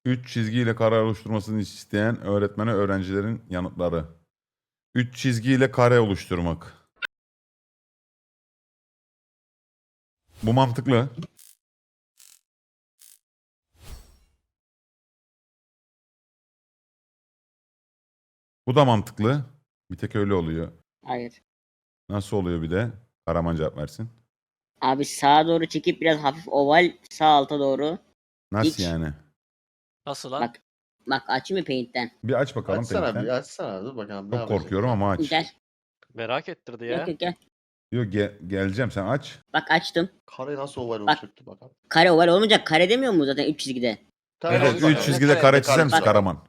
3 çizgiyle kare oluşturmasını isteyen öğretmene öğrencilerin yanıtları. 3 çizgiyle kare oluşturmak. Bu mantıklı. Bu da mantıklı. Bir tek öyle oluyor. Hayır. Nasıl oluyor bir de? Karaman cevap versin. Abi sağa doğru çekip biraz hafif oval sağ alta doğru. Nasıl Hiç. yani? Nasıl lan? Bak açayım mı Paint'ten? Bir aç bakalım Açsana Paint'ten. bir açsana dur bakalım. ne Çok yapacak korkuyorum ya. ama aç. Gel. Merak ettirdi ya. Yok yok gel. Yok geleceğim, sen aç. Bak açtım. Kare nasıl oval Bak. olacaktı bakalım. Kare oval olmayacak. Kare demiyor mu zaten 3 çizgide? Tamam, Evet, hadi 3 bakalım. çizgide kare çizer misin Bak. Karaman?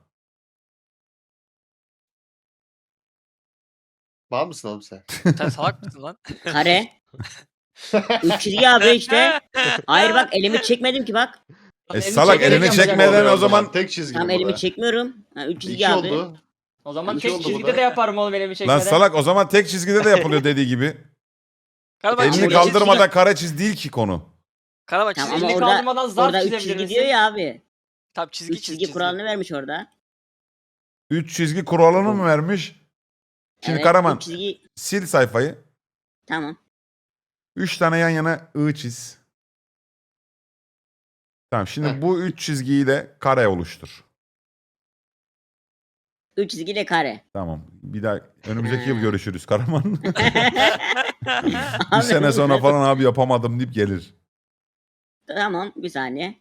Var mısın oğlum sen? Sen salak mısın lan? Kare. 3 çizgi abi işte. Hayır bak elimi çekmedim ki bak. Salak çekerek elini yapacak çekmeden Oluyor o zaman tek çizgi Tam bu elimi da. çekmiyorum. 3 çizgi İki abi. oldu. O zaman İki tek oldu bu çizgide da. de yaparım oğlum elimi lan çekmeden. salak o zaman tek çizgide de yapılıyor dediği gibi. Karaman Elini çizgi kaldırmadan kare çiz değil ki konu. Karaman Tamam çizgi. ama elini orada, kaldırmadan zar orada 3 çizebilir çizgi misin? diyor ya abi. Tam çizgi 3 çiz çizgi çizgi. kuralını vermiş orada. 3 çizgi kuralını mı vermiş? Şimdi Evet, Karaman üç çizgi. sil sayfayı. Tamam. 3 tane yan yana I çiz. Tamam şimdi Heh. bu 3 çizgiyi de kare oluştur. 3 çizgiyle kare. Tamam. Bir daha önümüzdeki yıl görüşürüz Karaman. Bir Abi, sene sonra falan abi yapamadım deyip gelir. Tamam bir saniye.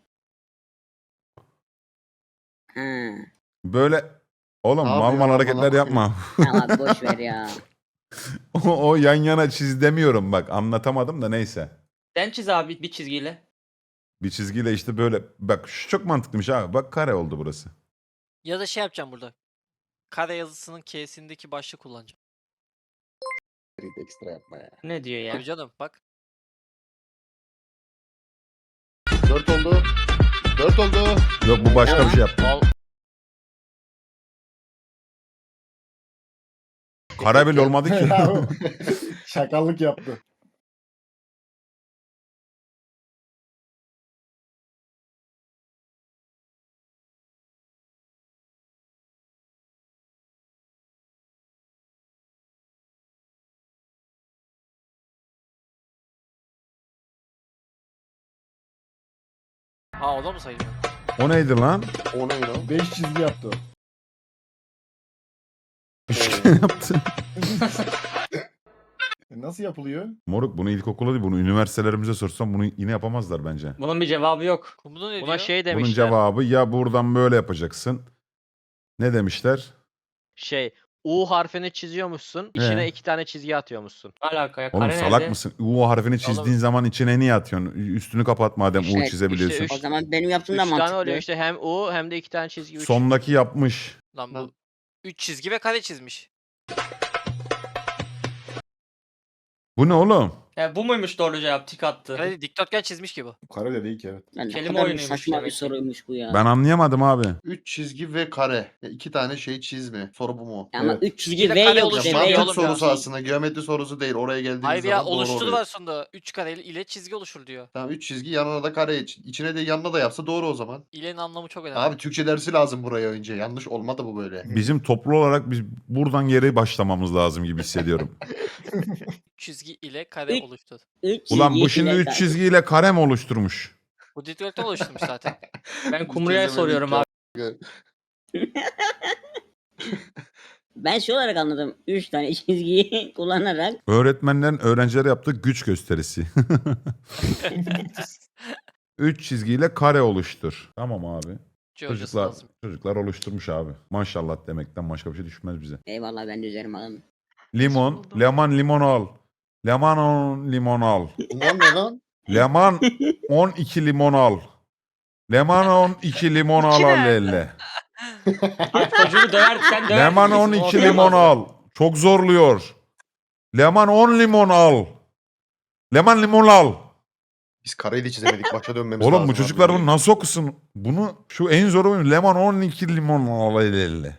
Ha, Böyle oğlum Ne mal yapıyor mal amına hareketler koyayım? yapma. tamam abi boş ver ya. o yan yana çiz demiyorum bak anlatamadım da neyse. Sen çiz abi bir çizgiyle. Bir çizgiyle işte böyle bak şu çok mantıklıymış abi bak kare oldu burası. Ya da şey yapacağım burada. Kare yazısının K'sindeki başlığı kullanacağım. Ekstra yapma ya. Ne diyor ya? Tabii canım bak. 4 oldu. 4 oldu. Yok bu başka bir şey yaptı. Al. Kare bile olmadı ki. Şakallık yaptı. Ha o da mı sayılıyor? O neydi lan? O ne lan? 5 çizgi yaptı o. Üçgen yaptı. Nasıl yapılıyor? Moruk bunu ilkokula değil bunu üniversitelerimize sorsam bunu yine yapamazlar bence. Bunun bir cevabı yok. Kumru ne Buna diyor? şey Bunun demişler. cevabı ya buradan böyle yapacaksın. Ne demişler? Şey U harfini çiziyormuşsun. içine 2 tane çizgi atıyormuşsun. Ne alaka ya? Oğlum Kare salak nerede? mısın? U harfini çizdiğin zaman içine niye atıyorsun? Üstünü kapat madem U İşte- çizebiliyorsun. işte O zaman benim yaptığım 3 da tane mantıklı. oluyor işte hem U hem de 2 tane çizgi. Sondaki yapmış. Lan bu 3 çizgi ve kare çizmiş. Bu ne oğlum? Ya bu muymuş doğru cevap? Tik attı. Kare dikdörtgen çizmiş ki bu. Kare de değil ki evet. Lan ne Kelime kadar oyunuymuş saçma bir demek ki. soruymuş bu ya. Ben anlayamadım abi. 3 çizgi ve kare. 2 tane şey çizme. Soru bu mu? Ama Evet. 3 çizgi Çizgiyle V kare yok Ya işte. oluşturuyor V mantık yok. oğlum sorusu aslında. Geometri sorusu değil. Oraya geldiğiniz Hayır ya zaman doğru oluşturdu oluyor. var sonunda. 3 kare ile çizgi oluşur diyor. Tamam 3 çizgi yanına da kare içine de yanına da yapsa doğru o zaman. İlenin anlamı çok önemli. Abi Türkçe dersi lazım buraya önce. Yanlış olmadı bu böyle. Bizim toplu olarak biz buradan geri başlamamız lazım gibi hissediyorum. Çizgi ile kare Üç- oluştu. Ulan bu şimdi 3 çizgiyle kare mi oluşturmuş? Bu dikdörtgen oluşturmuş zaten. Ben Kumru'ya soruyorum abi. Ben şey olarak anladım. 3 tane çizgiyi kullanarak. Öğretmenlerin öğrencilere yaptığı güç gösterisi. 3 çizgiyle kare oluştur. Tamam abi. Hocası Çocuklar, lazım. çocuklar oluşturmuş abi. Maşallah demekten başka bir şey düşmez bize. Eyvallah ben de üzerime alın. Limon, leman limon al. Leman 10 limon al. Lan ne lan? Leman 12 limon al. Leman 12 limon al al elle. Abi çocuğu döver sen döver. Leman misin? 12 Olmaz. limon al. Çok zorluyor. Leman 10 limon al. Leman limon al. Biz kareyi de çizemedik. Başa dönmemiz Oğlum lazım. bu çocuklar abi. bunu nasıl okusun? Bunu şu en zoru oyun. Leman 12 limon al elle.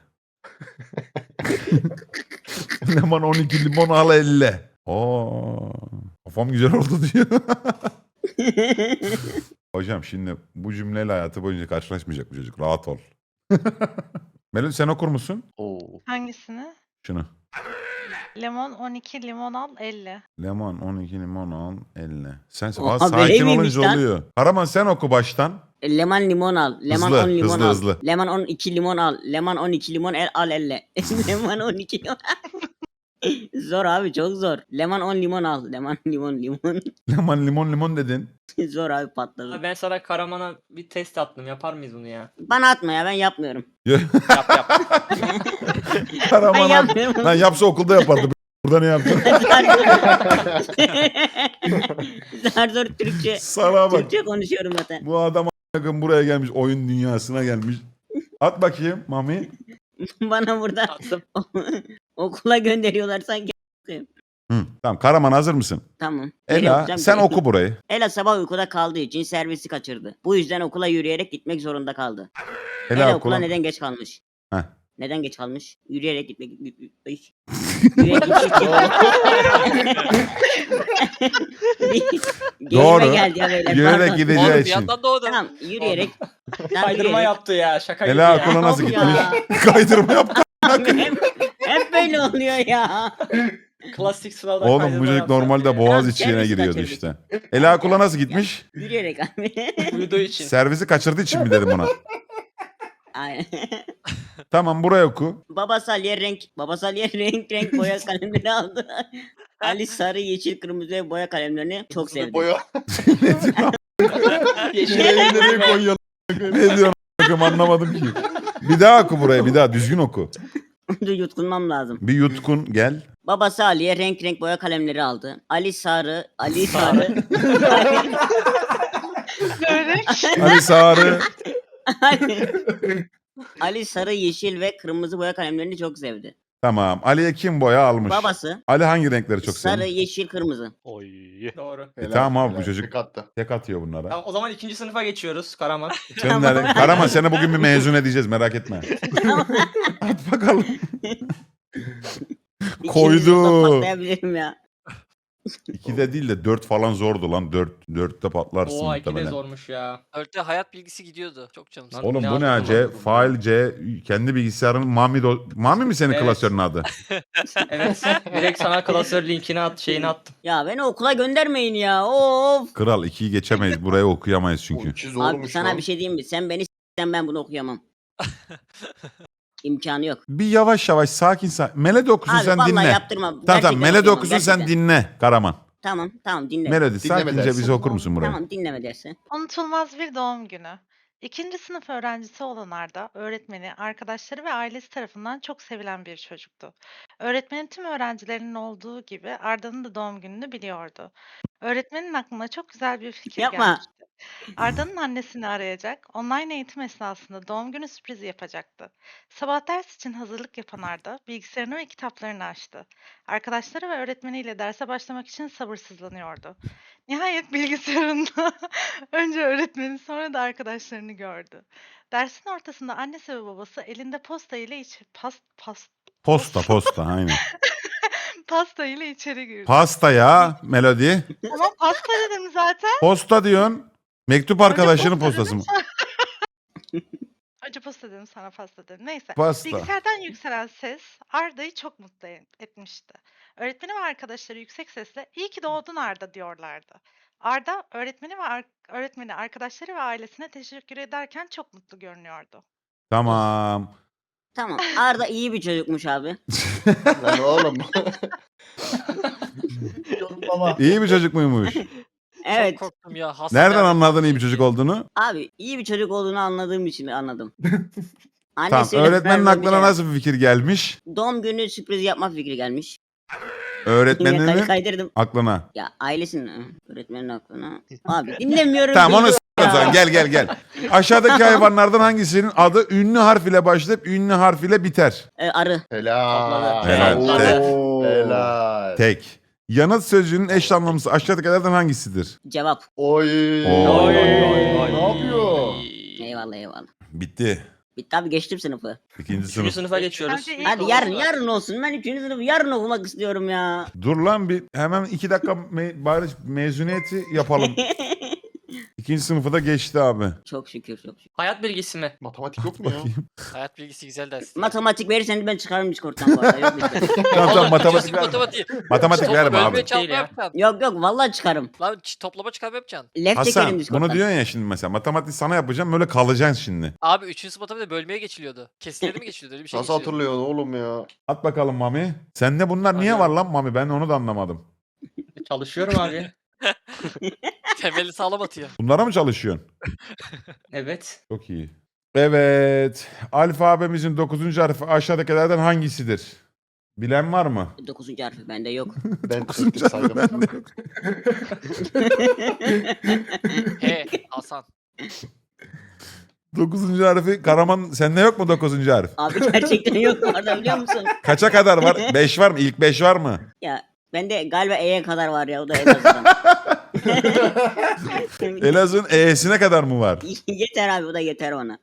Leman 12 limon al elle. Kafam güzel oldu diyor. Hocam şimdi bu cümleyle hayatı boyunca karşılaşmayacak bu çocuk. Rahat ol. Melody sen okur musun? Oo. Hangisini? Şunu. Lemon 12, limon al 50. Lemon 12 limon al 50. Sen Oha, Aa, böyle sakin miymiş olunca lan? oluyor. Karaman sen oku baştan. Lemon limon al. Lemon Hızlı, 10 limon hızlı, al. hızlı. Lemon 12 limon al. Lemon 12 limon al 50. Lemon 12 limon. Zor abi çok zor. Lemon 10 limon al. Lemon limon. Lemon limon limon dedin. Zor abi patladı. Abi ben sana Karaman'a bir test attım. Yapar mıyız bunu ya? Bana atma ya ben yapmıyorum. Yap yap. Ben Karaman yapmıyorum. lan yapsa okulda yapardı. Burada ne yaptın? Zar zor Türkçe. Sana bak. Türkçe konuşuyorum zaten. Bu adam a**ın buraya gelmiş. Oyun dünyasına gelmiş. At bakayım Mami. Bana burada Attım. okula gönderiyorlar sanki. Hı, tamam Karaman hazır mısın? Tamam. Ne Ela yapacağım sen ki? oku burayı. Ela sabah uykuda kaldığı için servisi kaçırdı. Bu yüzden okula yürüyerek gitmek zorunda kaldı. Ela Ela oku okula lan. neden geç kalmış? Heh. Neden geç kalmış? Yürüyerek gitmek... Yürüyerek Doğru. Gelime geldi ya böyle. Yürüyerek pardon. gideceği Oğlum bir için. yandan doğdu. Tamam yürüyerek. Tamam, Kaydırma yürüyerek. yaptı ya. Şaka gibi Ela ya. okula nasıl Yok gitmiş? ya. Kaydırma yaptı. hep böyle oluyor ya. Klasik sınavdan Oğlum kaydırma bu çocuk yaptı normalde ya. boğaz Tamam, içine servisi giriyordu kaçırdık. işte. Ela okula nasıl gitmiş? Yürüyerek abi. Uyuduğu için. Servisi kaçırdığı için mi dedim ona? Aynen. Tamam buraya oku. Babası Ali'ye renk boya kalemleri aldı. Ali sarı, yeşil, kırmızı ve boya kalemlerini çok sevdi. Boya. Ne diyor? Yeşil Nereye koyuyor? Ne diyor? Anlamadım ki. Bir daha oku burayı bir daha düzgün oku. Dur yutkunmam lazım. Bir yutkun gel. Babası Ali'ye renk boya kalemleri aldı. Ali sarı. Börek. Ali Sarı. Ali sarı, yeşil ve kırmızı boya kalemlerini çok sevdi. Tamam. Ali'ye kim boya almış? Babası Ali hangi renkleri çok sarı, seviyor? yeşil, kırmızı. Oy. Doğru. Tamam abi bu çocuk Tek attı. tek atıyor bunlara. Tamam, o zaman 2. sınıfa geçiyoruz Karaman. Sen nerede? Karaman seni bugün bir mezun edeceğiz merak etme. At bakalım. İkiniz Koydu. yolda patlayabilirim ya. 2'de değil de 4 falan zordu lan. 4'te patlarsın Oha 2 de muhtemelen. zormuş ya. Örte hayat bilgisi gidiyordu. Çok canım sıkıldı. Oğlum Ne bu ne yaptın C? oğlum? Fail C. Kendi bilgisayarın Mami mi senin Evet. klasörün adı? Evet. Direkt sana klasör linkini şeyini attım. Ya beni okula göndermeyin ya. Of. Kral 2'yi geçemeyiz. Buraya okuyamayız çünkü. İki Abi zormuş sana lan. bir şey diyeyim mi? Sen beni s**sen ben bunu okuyamam. İmkanı yok. Bir yavaş yavaş sakin sakin. Melodi okusun Abi sen vallahi dinle. yaptırma. Tamam Gerçekten tamam Melodi okuyamam, okusun sen gerçekten. dinle Karaman. Tamam dinle. Melodi Dinleme sakince dersin. bize okur musun burayı? Tamam dinleme dersi. Unutulmaz bir doğum günü. İkinci sınıf öğrencisi olan Arda, öğretmeni, arkadaşları ve ailesi tarafından çok sevilen bir çocuktu. Öğretmenin tüm öğrencilerinin olduğu gibi Arda'nın da doğum gününü biliyordu. Öğretmenin aklına çok güzel bir fikir Yapma. gelmişti. Arda'nın annesini arayacak, online eğitim esnasında doğum günü sürprizi yapacaktı. Sabah ders için hazırlık yapan Arda, bilgisayarını ve kitaplarını açtı. Arkadaşları ve öğretmeniyle derse başlamak için sabırsızlanıyordu. Nihayet bilgisayarında önce öğretmeni sonra da arkadaşlarını gördü. Dersin ortasında annesi ve babası elinde posta ile Posta aynen. pasta ile içeri girdi. Pasta ya Melodi. Ama pasta dedim zaten. Posta diyorsun. Mektup arkadaşının postası mı? Önce posta dedim sonra pasta dedim. Neyse. Pasta. Bilgisayardan yükselen ses Arda'yı çok mutlu etmişti. Öğretmeni ve arkadaşları yüksek sesle "İyi ki doğdun Arda" diyorlardı. Arda öğretmeni, arkadaşları ve ailesine teşekkür ederken çok mutlu görünüyordu. Tamam. Tamam. Arda iyi bir çocukmuş abi. Lan oğlum. Yorumlama. İyi bir çocuk muymuş? Evet. Çok korktum ya. Hasta Nereden geldi. anladın iyi bir çocuk olduğunu? Abi iyi bir çocuk olduğunu anladığım için anladım. Tamam. Annesiyle Öğretmenin beraber bir aklına şey- nasıl bir fikir gelmiş? Doğum günü sürpriz yapma fikri gelmiş. Öğretmeninin Kaydırdım. aklına. Ya ailesinin öğretmenin aklına. Abi dinlemiyorum. Tamam onu beni s***o ya. zaman. Gel. Aşağıdaki hayvanlardan hangisinin adı ünlü harf ile başlayıp ünlü harf ile biter? Arı. Helal. Helal. Oo. Tek. Helal. Tek. Yanıt sözcüğünün eş anlamlısı aşağıdakilerden hangisidir? Cevap. Oy. Oy. Ne yapıyor? Eyvallah. Bitti. Bitti abi, geçtim sınıfı. İkinci 3. sınıf. sınıfa geçiyoruz. Bence ilk Hadi olsun. yarın olsun. Ben 3. sınıfı yarın okumak istiyorum ya. Dur lan bir hemen 2 dakika bari mezuniyeti yapalım. İkinci sınıfı da geçti abi. Çok şükür, çok şükür. Hayat bilgisi mi? Matematik yok mu ya? Bakayım. Hayat bilgisi güzel ders. Matematik verirseniz ben çıkarım Discord'dan bu arada. Yok, lütfen. Tamam tamam Oğlum, matematik gidiyorsun verme. matematiği. Matematik Topla, verme abi. bölmeye çarpma Değil ya. yapacaksın. Yok vallahi çıkarım. Lan toplama çıkarma yapacaksın. Left çekerim Hasan Discord'dan. bunu diyorsun ya şimdi mesela. Matematik sana yapacağım böyle kalacaksın şimdi. Abi 3. sınıf matematikte bölmeye geçiliyordu. Kesileri mi geçiliyordu? Öyle bir şey Nasıl geçiliyordu. hatırlıyorsun oğlum ya? At bakalım Mami. Sende bunlar niye var lan Mami? Ben onu da anlamadım. Çalışıyorum abi. Temeli sağlam atıyor. Bunlara mı çalışıyorsun? Evet. Çok iyi. Evet. Alfabemizin 9. harfi aşağıdakilerden hangisidir? Bilen var mı? 9. harfi bende yok. Ben tek saydım. He Hasan. 9. harfi Karaman sende yok mu 9. harf? Abi gerçekten yok bu arada, biliyor musun? Kaça kadar var? 5 var mı? İlk 5 var mı? Ya bende galiba E'ye kadar var ya, o da en azından. Elazığ'ın E'sine kadar mı var? Yeter abi, o da yeter bana.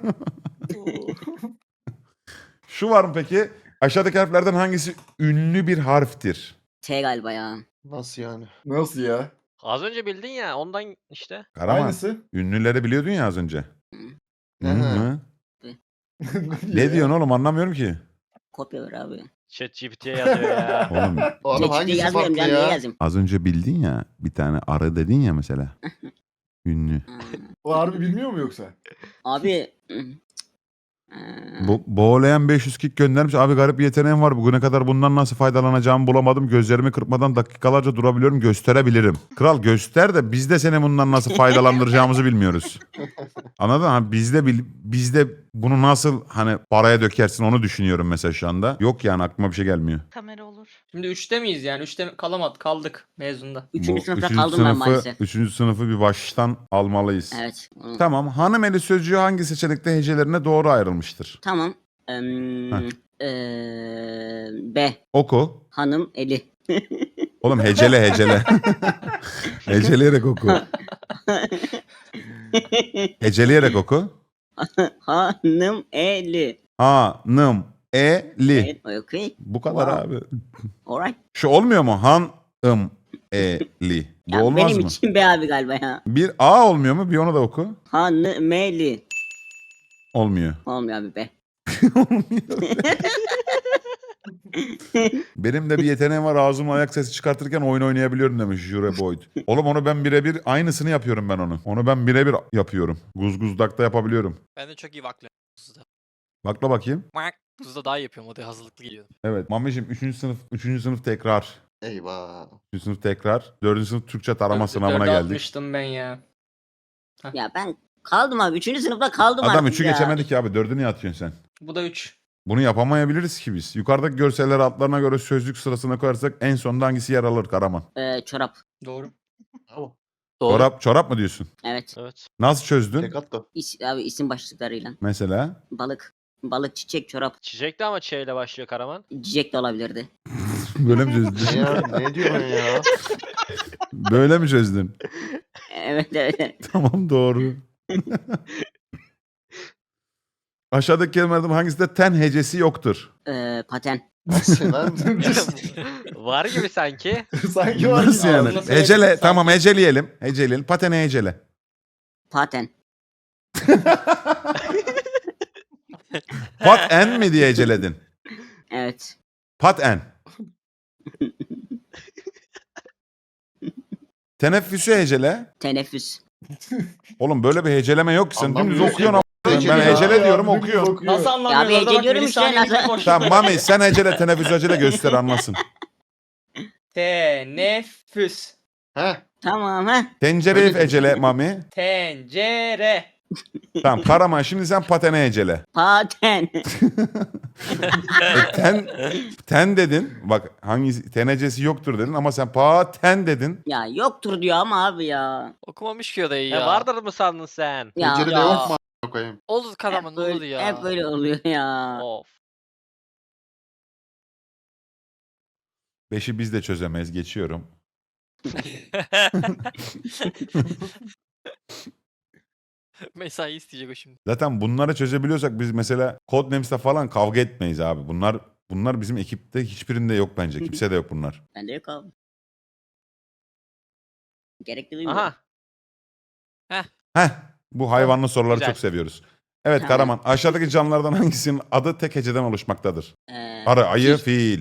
Şu var mı peki? Aşağıdaki harflerden hangisi ünlü bir harftir? T galiba ya. Nasıl yani? Nasıl ya? Az önce bildin ya ondan işte. Karaman. Aynısı. Ünlüleri biliyordun ya az önce. Hı Hı hı. hı. Ne diyorsun oğlum anlamıyorum ki. Kopya ver abi. ChatGPT'ye yazıyor ya. Oğlum Oğlum Çeşitli hangisi yazmıyorum farklı ya, niye ya? yazayım? az önce bildin ya bir tane arı dedin ya mesela. Ünlü. Hmm. O harbi bilmiyor mu yoksa? Abi. Boğulayan 500 kick göndermiş. Abi garip bir yeteneğim var. Bugüne kadar bundan nasıl faydalanacağımı bulamadım. Gözlerimi kırpmadan dakikalarca durabiliyorum. Gösterebilirim. Kral göster de biz de seni bundan nasıl faydalandıracağımızı bilmiyoruz. Anladın mı? Hani biz de bunu nasıl hani paraya dökersin onu düşünüyorum mesela şu anda. Yok yani aklıma bir şey gelmiyor. Kamera olur. Şimdi 3'te miyiz yani? 3'te kaldık mezunda. 3. Bu sınıfta üçüncü kaldım ben maalesef. 3. sınıfı bir baştan almalıyız. Evet. Tamam. Hanımeli sözcüğü hangi seçenekte hecelerine doğru ayrılmıştır? Tamam. B. Oku. Hanım eli. Oğlum hecele. Heceleyerek oku. Heceleyerek oku. Hanım eli. Hanım eli. Evet, okay. Bu kadar Wow. abi. Alright. Şu olmuyor mu? Hanım eli. Bu Ya olmaz benim mı? için B abi galiba ya. Bir A olmuyor mu? Bir onu da oku. Hanım eli. Olmuyor. Olmuyor abi be. Benim de bir yeteneğim var. Ağzımla ayak sesi çıkartırken oyun oynayabiliyorum demiş Jure Boyd. Oğlum onu ben birebir aynısını yapıyorum ben onu. Onu ben birebir yapıyorum. Guzguzdak'ta yapabiliyorum. Ben de çok iyi vaklıyorum. Tuzda. Bakla bakayım. Tuzda daha iyi yapıyorum. O da hazırlıklı geliyorum. Evet. Mamicim 3. sınıf tekrar. Eyvah. 3. sınıf tekrar. 4. sınıf Türkçe tarama sınavına Dörde geldik. atmıştım ben ya. Ya ben kaldım abi. 3. sınıfta kaldım Adam artık 3'ü ya. geçemedik ya abi. 4'ü niye atıyorsun sen? Bu da 3. Bunu yapamayabiliriz ki biz. Yukarıdaki görselleri altlarına göre sözlük sırasına koyarsak en sonunda hangisi yer alır Karaman? Çorap. Doğru. Bravo. Doğru. Çorap mı diyorsun? Evet. Evet. Nasıl çözdün? Tek at da. Abi isim başlıklarıyla. Mesela? Balık. Balık, çiçek, çorap. Çiçek de ama Ç ile başlıyor Karaman. Cicek de olabilirdi. Böyle mi Ne çözdün? ya? Ne diyorsun ya? Böyle mi çözdün? Evet evet. Tamam doğru. Aşağıdaki kelimelerden hangisinde ten hecesi yoktur? Paten. Nasıl lan? Var gibi sanki. Sanki var Nasıl gibi. yani? Ağzına Hecele, söyledim tamam heceleyelim. Patene hecele. Paten. Pat en mi diye heceledin? Evet. Pat en. Teneffüsü hecele. Teneffüs. Oğlum böyle bir heceleme yok ki sen dümdüz Anlamıyorum okuyorsun. ki. Ben Hecele hecele ya, diyorum Dümdüz okuyorum. okuyor. Nasıl Ya anlamıyorsun? bir Orada bak, heceliyorum bir işte, saniye nasıl- bir boşluk Tamam var. Mami sen hecele teneffüs hecele göster anlasın. Teneffüs. Heh. Tamam ha. Tencereyi Öyle hecele Mami. Tencere. Tamam Karaman şimdi sen patene hecele. Paten. Ten dedin. Bak hangisi tenecesi yoktur dedin ama sen paten dedin. Ya yoktur diyor ama abi ya. Okumamış ki o da iyi Ya ya. vardır mı sandın sen? Ya, Pencerede ya. yok mu a**ına koyayım? Olur Karaman hep olur böyle, ya. hep böyle oluyor ya. Of. 5'i biz de çözemeyiz geçiyorum. Mesai isteyecek o şimdi. Zaten bunları çözebiliyorsak biz mesela Codenames'te falan kavga etmeyiz abi. Bunlar bizim ekipte hiçbirinde yok bence. Kimse de yok bunlar. Bende yok abi. Gerekli duymuyorum. Aha. Heh, bu hayvanlı soruları güzel. çok seviyoruz. Evet Tamam. Karaman, aşağıdaki canlılardan hangisinin adı tek heceden oluşmaktadır? Ee, Arı, ayı, fiil.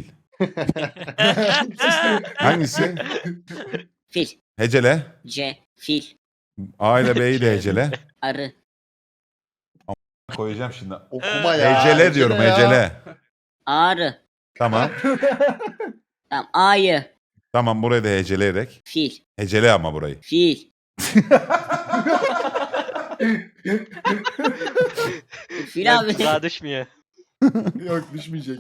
Hangisi? Fil. Hecele. C. Fil. A ile B'yi de hecele. Arı. Koyacağım şimdi. Okuma ya. Hecele diyorum, ya. hecele. Arı. Tamam. Tamam. Ayı. Tamam, burayı da heceleyerek. Fil. Hecele ama burayı. Fil. Fil abi. Tuzağa düşmüyor. Yok düşmeyecek.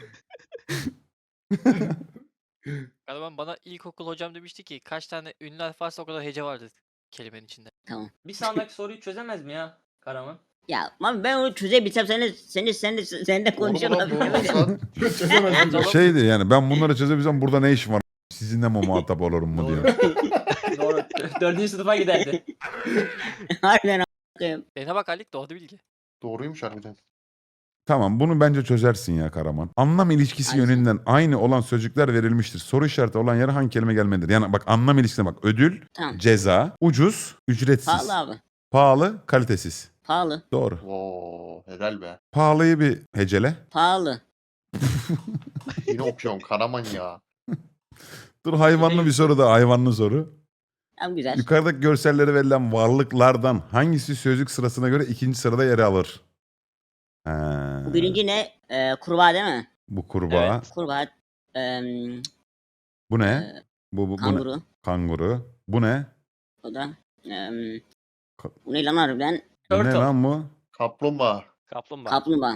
Galiba bana ilkokul hocam demişti ki kaç tane ünlü harf varsa o kadar hece vardır kelimenin içinde. Tamam. Bir sonraki soruyu çözemez mi ya Karaman? Ya abi ben onu çözebilsem sen de Doğru mu konuşalım. lan, doğru mu lan? Çözemezdim. Şeydi yani, ben bunları çözebilsem burada ne işim var? Sizinle mi muhatap olurum mu diyor. Doğru. 4. sınıfa giderdi. Harbiden a**ayım. Dene bak Halik doğru bilgi. Doğruymuş harbiden. Tamam, bunu bence çözersin ya Karaman. Anlam ilişkisi Aynen. yönünden aynı olan sözcükler verilmiştir. Soru işareti olan yere hangi kelime gelmelidir? Yani bak, anlam ilişkisine bak. Ödül, Tamam. ceza, ucuz, ücretsiz. Pahalı abi. Pahalı, kalitesiz. Pahalı. Doğru. Oo, helal be. Pahalıyı bir hecele. Pahalı. Yine okuyorum Karaman ya. Dur, hayvanlı bir soru da, hayvanlı soru. Tamam güzel. Yukarıdaki görsellere verilen varlıklardan hangisi sözcük sırasına göre ikinci sırada yer alır? Ha, Bu birinci ne? Kurbağa değil mi? bu kurbağa. Evet. Kurbağa. Bu ne? e, Bu ne? Kanguru. Kanguru. Bu ne? O da. Ka- Bu ne lan harbiden? Bu ne Turtle. lan bu? Kaplumbağa. Kaplumbağa. Kaplumbağa.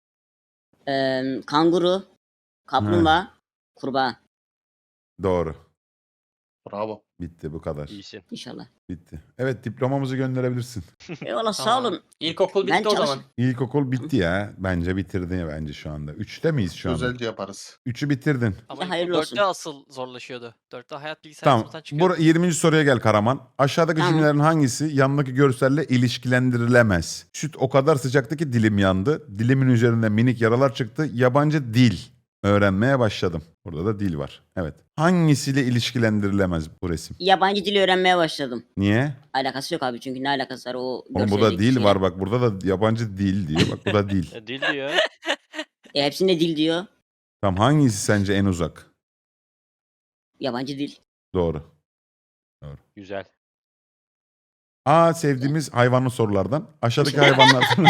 Kanguru. Kaplumbağa. Kurbağa. Doğru. Bravo. Bitti, bu kadar. İyisin. İnşallah. Bitti. Evet, diplomamızı gönderebilirsin. Eyvallah sağ Tamam. olun. İlkokul Ben bitti o çalış- zaman. İlkokul bitti ya. Bence bitirdin ya bence şu anda. 3'te miyiz şu anda? Özelce yaparız. 3'ü bitirdin. Ama hayırlı olsun. 4'te asıl zorlaşıyordu. 4'te hayat bilgisayar Tamam. sınıfından çıkıyor. 20. soruya gel Karaman. Aşağıdaki Tamam. cümlelerin hangisi yanındaki görselle ilişkilendirilemez? Süt o kadar sıcaktı ki dilim yandı. Dilimin üzerinde minik yaralar çıktı. Yabancı dil öğrenmeye başladım. Burada da dil var. Evet. Hangisiyle ilişkilendirilemez bu resim? Yabancı dili öğrenmeye başladım. Niye? Alakası yok abi çünkü ne alakası var o Oğlum burada görseldeki dil şeyle. var bak. Burada da yabancı dil diyor. Bak bu da dil. Dil diyor. Hepsinde dil diyor. Tamam, hangisi sence en uzak? Yabancı dil. Doğru. Güzel. A, sevdiğimiz hayvanlı sorulardan. Aşağıdaki hayvanlardan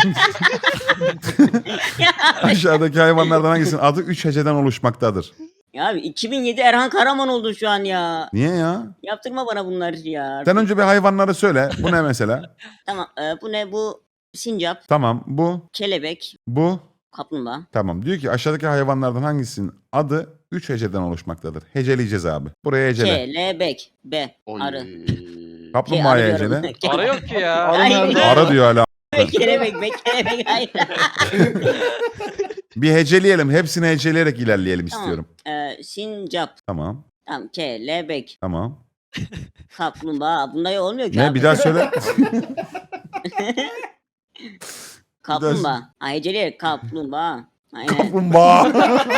aşağıdaki hayvanlardan hangisinin adı 3 heceden oluşmaktadır? Ya abi 2007 Erhan Karaman oldu şu an ya. Niye ya? Yaptırma bana bunları ya. Sen önce bir hayvanları söyle. Bu ne mesela? Tamam bu ne bu? Sincap, Tamam, bu, kelebek, bu. kaplumbağa. Tamam. Diyor ki aşağıdaki hayvanlardan hangisinin adı 3 heceden oluşmaktadır? Heceleyeceğiz abi. Buraya hecele. Kelebek, B, Oy. arı. Kaplumbağaya Arı diyorum. hecele. Ara yok ki ya. Arı Hayır. nerede? Ara diyor hala. Kelebek, be, kelebek, hayır. Bir heceleyelim. Hepsini heceleyerek ilerleyelim Tamam. istiyorum. Sincap, Tamam. tamam, kelebek, Tamam. kaplumbağa. Bunda olmuyor ki Ne? abi. Bir daha söyle. Kaplumbağa. Ha, heceleyerek kaplumbağa. Aynen. Kaplumbağa.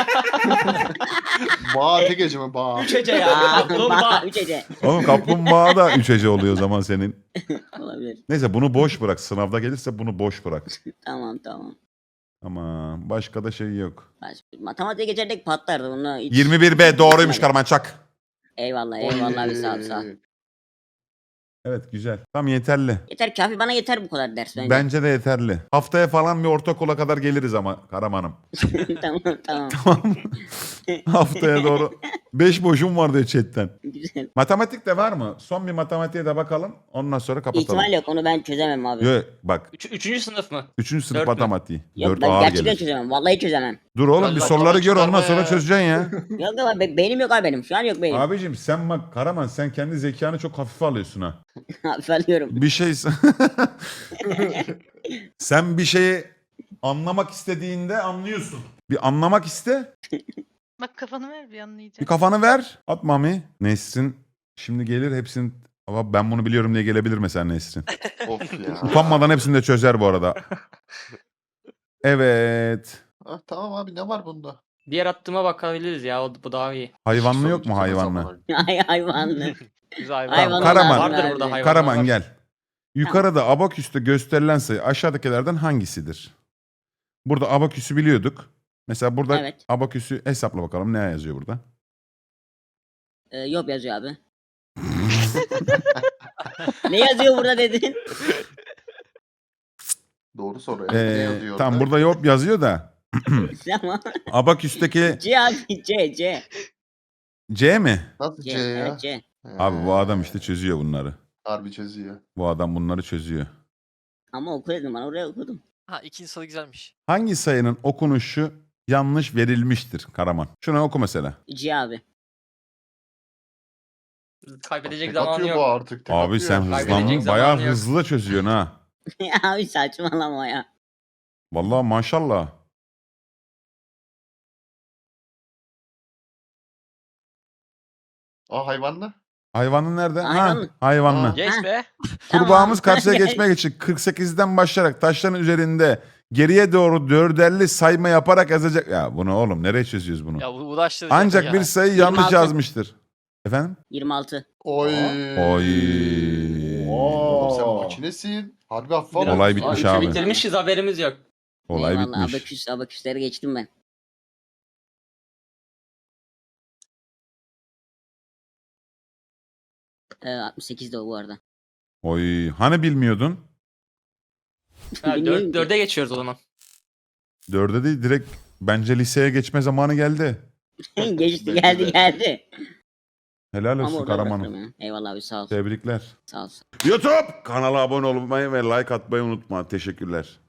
Bağ tek gece mi? Bağ. Hece ya. Kaplumbağa. Kaplumbağa. 3 hece. Oğlum kaplumbağa da 3 hece oluyor o zaman senin. Olabilir. Neyse, bunu boş bırak. Sınavda gelirse bunu boş bırak. Tamam tamam. Ama başka da şey yok. Matematiğe geçerdik patlardı. Bunu hiç... 21B doğruymuş Karaman, çak. Eyvallah eyvallah abi sağ ol sağ ol. Evet, güzel. Tam yeterli. Yeter kafi bana yeter bu kadar ders bence. Bence de yeterli. Haftaya falan bir ortaokula kadar geliriz ama Karaman'ım. tamam tamam. Tamam. Haftaya doğru. 5 boşum var diyor chatten. Güzel. Matematik de var mı? Son bir matematiğe de bakalım. Ondan sonra kapatalım. İhtimal yok onu ben çözemem abi. Yok bak. 3. sınıf mı? 3. sınıf Dört mü? matematiği. Yok 4 ben ağır gerçekten gelir. çözemem. Vallahi çözemem. Dur oğlum, Allah bir Allah, soruları gör, ondan çıkarma sonra ya. çözeceksin ya. Yok ama beynim yok abi benim. Şu an yok beynim. Abicim sen bak Karaman, sen kendi zekanı çok hafife alıyorsun ha. Abi alıyorum. Bir şey sen bir şeyi anlamak istediğinde anlıyorsun. Bir anlamak iste, Bak kafanı ver bir bir anlayacağım. kafanı ver. At mami. Nesrin şimdi gelir hepsini Ama ben bunu biliyorum diye gelebilir mesela Nesrin. Of ya. Utanmadan hepsini de çözer bu arada. Evet. Ah, tamam abi ne var bunda? Diğer attığıma bakabiliriz ya. Bu daha iyi. Hayvanlı Hiçbir yok mu sorun çıkmaz hayvanlı? ama. Hayvanlı. Biz hayvan. Hayvan Karaman. lazım Vardır abi. burada hayvan. Karaman var. gel. Yukarıda abaküste gösterilen sayı aşağıdakilerden hangisidir? Burada abaküsü biliyorduk. Mesela burada Evet. abaküsü hesapla bakalım ne yazıyor burada. Yok yazıyor abi. Ne yazıyor burada dedin? Doğru soru. Ne yazıyor Tam orada? burada yok yazıyor da. Tamam. Abaküsteki C abi C. C mi? Nasıl C. C ya? Evet C. Abi bu adam işte çözüyor bunları. Harbi çözüyor. Bu adam bunları çözüyor. Ama oku dedim ben oraya okudum. Ha ikinci soru güzelmiş. Hangi sayının okunuşu yanlış verilmiştir Karaman? Şunu oku mesela. C abi. Kaybedecek Tek zaman atıyor bu yok. artık. Tek Abi atıyor. sen Kaybedecek hızlandın. zaman Bayağı yok. hızlı çözüyorsun ha. Abi saçmalama ya. Vallahi maşallah. Aa hayvanlı. Hayvanın nerede? Hayvanlı. Ha, hayvanlı. Aa. Yes be. Kurbağamız Tamam. karşıya geçmek için 48'den başlayarak taşların üzerinde geriye doğru dörderli sayma yaparak yazacak. Ya bunu oğlum nereye çözüyoruz bunu? Ya bu uğraştırıcı Ancak ya. bir sayı yanlış 26. yazmıştır. Efendim? 26. Oy. Oy. Oğlum sen Oo. makinesin. Harbi hafif Biraz- Olay bitmiş Aa, abi. Bitirmişiz haberimiz yok. Olay Eyvallah, bitmiş. Abaküsleri geçtim ben. Ee, 68 de o bu arada. Oy. Hani bilmiyordun? Ha, Bilmiyorum ki. 4'e geçiyoruz o zaman. 4'e değil direkt bence liseye geçme zamanı geldi. Geçti Belki de. geldi. Helal Ama olsun orada Karaman'ım. bırakırım ya. Eyvallah abi sağ ol. Tebrikler. Sağ ol. YouTube kanala abone olmayı ve like atmayı unutma. Teşekkürler.